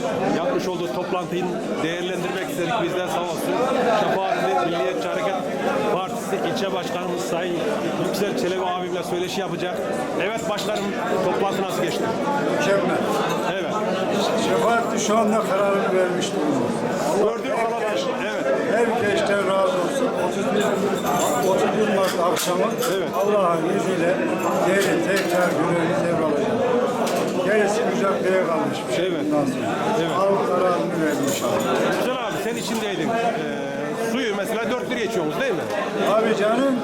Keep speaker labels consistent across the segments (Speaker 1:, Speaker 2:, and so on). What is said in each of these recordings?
Speaker 1: yapmış olduğu toplantıyı değerlendirmek istedik. Bizden sağ olsun. Şefaatli Milliyetçi Hareket Partisi ilçe başkanımız Sayın Yüksel Çelebi abimle söyleşi yapacak. Evet başkanım, toplantı nasıl geçti?
Speaker 2: Mükemmel.
Speaker 1: Evet.
Speaker 2: Şefaatli şu anda kararını vermiş durumda.
Speaker 1: Gördüğüm kalabalık. Evet.
Speaker 2: Herkesten razı olsun. 31 Mart akşamı Allah'ın izniyle geri tekrar görevini devralacak. Gerisi mücadeleye kalmış bir şey.
Speaker 1: Evet.
Speaker 2: Evet. Al kararını vermiş abi.
Speaker 1: Güzel abi, sen içindeydin. Suyu mesela 4 liraya içiyorsunuz değil mi?
Speaker 2: Abi canım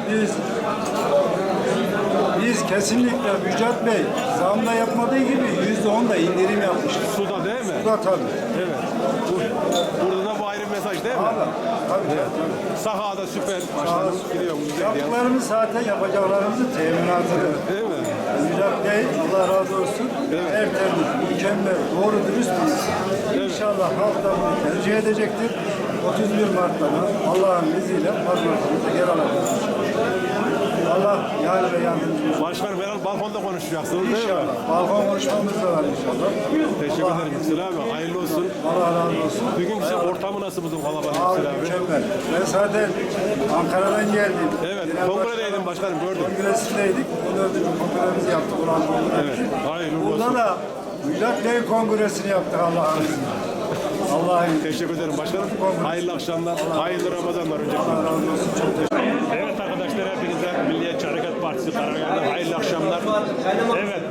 Speaker 2: biz kesinlikle Müjdat Bey zamda yapmadığı gibi %10 da indirim yapmıştır.
Speaker 1: Suda değil mi?
Speaker 2: Suda tabii.
Speaker 1: Evet. Burada da bu ayrı bir mesaj değil mi?
Speaker 2: Tabii.
Speaker 1: Sahada süper başladım. Gidiyorum.
Speaker 2: Yaptıklarımız zaten yapacaklarımızın teminatıdır.
Speaker 1: Değil mi?
Speaker 2: Müjdat Bey Allah razı olsun.
Speaker 1: Evet.
Speaker 2: Tertemiz, mükemmel, doğru dürüst bir insan. İnşallah halk da bunu tercih edecektir. 31 Mart'ta Allah'ın izniyle mazbatımızı geri alacağız. Allah yar ve yardımcımız olsun.
Speaker 1: Başkanım herhalde balkonda konuşacaksınız değil mi?
Speaker 2: İnşallah. Balkon konuşmamız da var inşallah.
Speaker 1: Teşekkür ederim Yüksel abi. Hayırlı olsun.
Speaker 2: Allah razı olsun.
Speaker 1: Bugün size ortamı nasıl buldun kalabalık
Speaker 2: Abi
Speaker 1: Yüksel abi?
Speaker 2: mükemmel. Ben zaten Ankara'dan geldim.
Speaker 1: Evet.
Speaker 2: Genel
Speaker 1: Kongredeydin başkanım, gördüm.
Speaker 2: Kongresindeydik. 14. kongremizi yaptık.
Speaker 1: Evet. Hayırlı
Speaker 2: Burada
Speaker 1: olsun.
Speaker 2: da Müjdat Bey kongresini yaptık Allah'ın izniyle. Allah'ın
Speaker 1: Teşekkür ederim başkanım. Hayırlı akşamlar. Hayırlı Ramazanlar öncelikle.
Speaker 2: Allah razı olsun. Çok teşekkür ederim.
Speaker 1: Evet arkadaşlar, hepinize Milliyetçi Hareket Partisi Karagöl'den hayırlı akşamlar. Evet.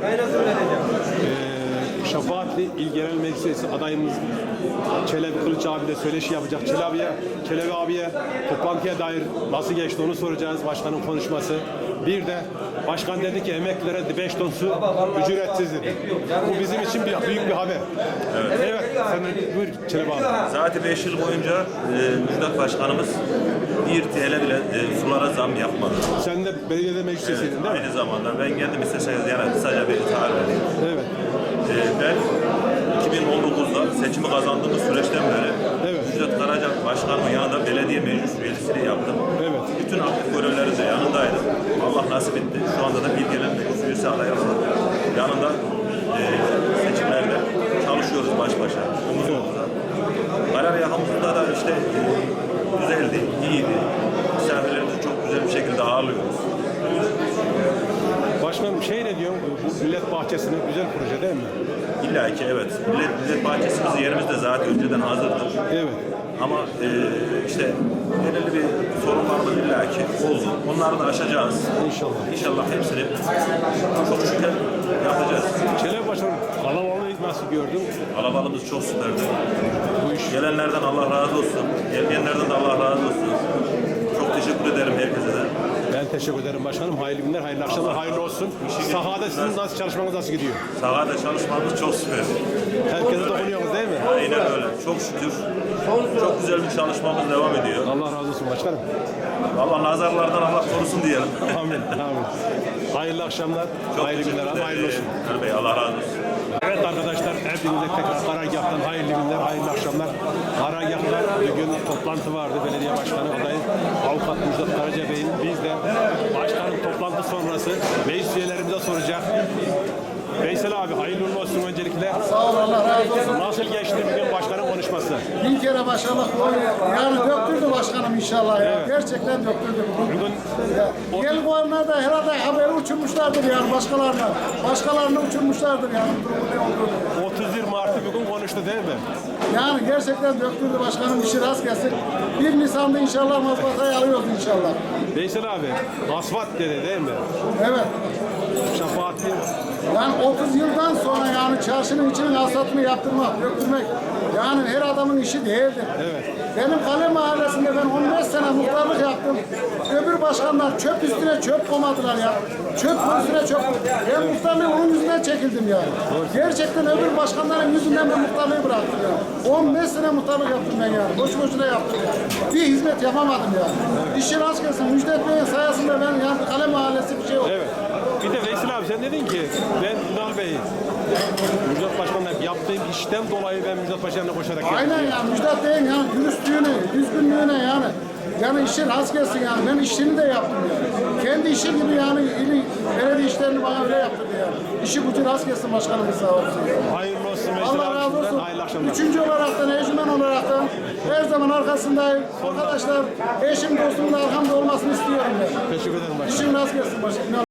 Speaker 1: Şefaatli İl Genel Meclisi adayımız Çelebi Kılıç abi de söyleşi yapacak. Çelebi abiye toplantıya dair nasıl geçti onu soracağız. Başkanın konuşması. Bir de başkan dedi ki emeklilere 5 ton su ücretsiz dedi. Bu bizim için büyük bir haber. Evet. Sen de buyur Çelebi abi.
Speaker 3: Zaten 5 yıl boyunca Müjdat Başkanımız 1 TL bile sulara zam yapmadı.
Speaker 1: Sen de belediyede meclis üyesiydin değil mi?
Speaker 3: Aynı zamanda ben kendim isterseniz yani kısaca bir tarif edeyim.
Speaker 1: Evet.
Speaker 3: Ben 2019'da seçimi kazandığımız süreçten beri Müjdat Karaca Başkanımın yanında belediye meclis üyeliğini yaptım.
Speaker 1: Evet.
Speaker 3: Bütün aktif görevlerin de yanındaydım. Allah nasip etti. Şu anda da bir gelen meclis üyesi adayı olarak yanında seçimlerde çalışıyoruz baş başa. Omuz omuza. Kararyahamızda da işte güzeldi, iyiydi. Misafirlerimizi çok güzel bir şekilde ağırlıyoruz.
Speaker 1: Başkanım ne diyorsun? Bu millet bahçesinin güzel proje değil mi?
Speaker 3: İlla ki evet. Millet bahçesimiz yerimizde zaten önceden hazırdı.
Speaker 1: Evet.
Speaker 3: Ama işte belirli bir sorunlarımız illa ki oldu. Onları da aşacağız.
Speaker 1: İnşallah.
Speaker 3: İnşallah hepsini çok şükür yapacağız.
Speaker 1: Çelebi Başkanım, kalabalığı nasıl gördün?
Speaker 3: Kalabalığımız çok süperdi.
Speaker 1: Bu iş
Speaker 3: Gelenlerden Allah razı olsun. Gelmeyenlerden de Allah razı olsun. Çok teşekkür ederim herkese de.
Speaker 1: Ben teşekkür ederim başkanım. Hayırlı günler, hayırlı akşamlar, hayırlı olsun. Sahada sizin nasıl çalışmanız nasıl gidiyor?
Speaker 3: Sahada çalışmamız çok süper.
Speaker 1: Herkese dokunuyorsunuz değil mi?
Speaker 3: Aynen öyle. Çok şükür. Çok güzel bir çalışmamız devam ediyor.
Speaker 1: Allah razı olsun başkanım.
Speaker 3: Allah nazarlardan Allah korusun diyelim.
Speaker 1: Amin. Amin. Hayırlı akşamlar,
Speaker 3: Çok
Speaker 1: hayırlı
Speaker 3: teşekkür
Speaker 1: günler,
Speaker 3: ederim.
Speaker 1: hayırlı olsun.
Speaker 3: Ali Bey Allah razı olsun.
Speaker 1: Evet arkadaşlar, hepinize tekrar Karagah'tan hayırlı günler, hayırlı akşamlar. Karagah'ta bugün toplantı vardı. Belediye Başkanı adayı Avukat Müjdat Karaca Bey'in. Biz de başkanın toplantı sonrası meclis üyelerimize soracak. Veysel abi hayırlı uğurlu olsun öncelikle.
Speaker 4: Sağ ol, Allah razı olsun.
Speaker 1: Nasıl geçti bugün başkanın konuşması?
Speaker 4: Bin kere başarılı. Yani döktürdü başkanım inşallah ya. Gerçekten döktürdü.
Speaker 1: Bugün
Speaker 4: Gel bu anlarda herhalde haberi uçurmuşlardır yani başkalarına. Başkalarını uçurmuşlardır yani. Durumu ne olduğunu.
Speaker 1: 31 Mart'ı bugün konuştu değil mi?
Speaker 4: Yani gerçekten döktürdü başkanım, işi rast gelsin. 1 Nisan'da inşallah mazbatayı alıyoruz inşallah.
Speaker 1: Veysel abi asfalt dedi değil mi?
Speaker 4: Evet.
Speaker 1: Şefaatli.
Speaker 4: Yani 30 yıldan sonra yani çarşının içinin asfaltını yaptırmak, döktürmek yani her adamın işi değildir.
Speaker 1: Evet.
Speaker 4: Benim Kale Mahallesi'nde ben 15 sene muhtarlık yaptım. Öbür başkanlar çöp üstüne çöp koymadılar ya. Çöp üstüne çöp. Ben muhtarlığı onun yüzünden çekildim yani. Gerçekten öbür başkanların yüzünden ben muhtarlığı bıraktım ya. 15 sene muhtarlık yaptım ben yani. Boş boşuna yaptım yani. Bir hizmet yapamadım yani. İşi rast gelsin. Müjdat Bey'in sayesinde ben yani Kale Mahallesi bir şey oldu.
Speaker 1: Evet. Bir de Veysel abi sen dedin ki ben Ünal Bey'i Müjdat Başkan'la yaptığım işten dolayı ben Müjdat Başkan'la koşarak geldim.
Speaker 4: Aynen ya. Müjdat Bey'in yani dürüstlüğüne, düzgünlüğüne yani. Yani işi rast gelsin yani. Ben işini de yaptım yani. kendi işi gibi yani belediye işlerini bana öyle yaptırdı yani. İşi gücü rast gelsin başkanımız sağ olsun.
Speaker 1: Hayırlı olsun Veysel
Speaker 4: Allah
Speaker 1: abi
Speaker 4: razı
Speaker 1: şimdiden.
Speaker 4: olsun.
Speaker 1: Hayırlı akşamlar.
Speaker 4: Üçüncü olaraktan, eşimen olaraktan her zaman arkasındayım. Arkadaşlar eşim dostumla arkamda olmasını istiyorum ben.
Speaker 1: Teşekkür ederim başkanım.
Speaker 4: İşin rast gelsin başkanım.